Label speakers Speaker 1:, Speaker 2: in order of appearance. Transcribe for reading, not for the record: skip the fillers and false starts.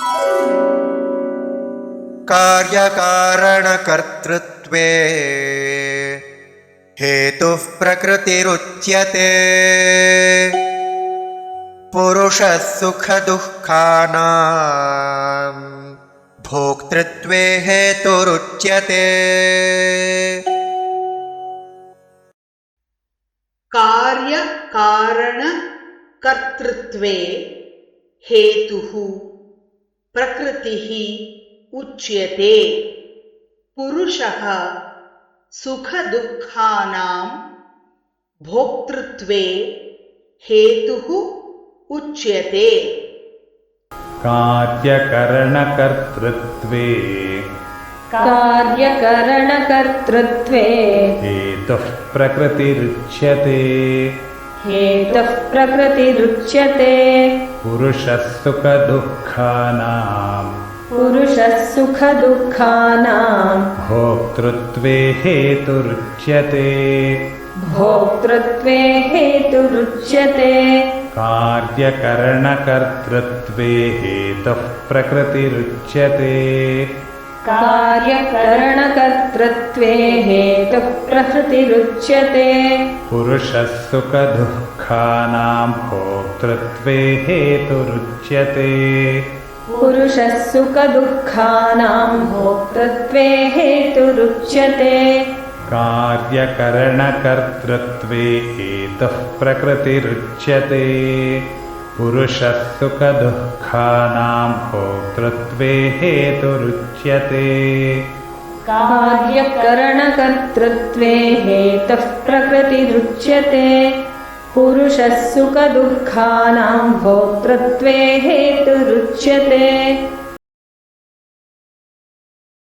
Speaker 1: कार्यकारणकर्तृत्वे हेतुः प्रकृतिरुच्यते। पुरुषः सुखदुःखानां भोक्तृत्वे हेतुरुच्यते।
Speaker 2: कार्यकारणकर्तृत्वे हेतुः प्रकृतिः उच्यते। पुरुषः सुखदुःखानां भोक्तृत्वे हेतुः उच्यते।
Speaker 3: कार्यकरणकर्तृत्वे हेतुः प्रकृतिरुच्यते। पुरुषः सुखदुःखानां भोक्तृत्वे हेतुरुच्यते। कार्यकरणकर्तृत्वे हेतुः प्रकृतिरुच्यते। पुरुषः सुखदुःखानां भोक्तृत्वे हेतुरुच्यते। कार्यकरणकर्तृत्वे हेतुः प्रकृतिरुच्यते। पुरुषः सुखदुःखानां भोक्तृत्वे हेतुरुच्यते।
Speaker 4: कार्यकरणकर्तृत्वे हेतुः प्रकृतिरुच्यते। पुरुषः सुखदुःखानां भोक्तृत्वे हेतुरुच्यते।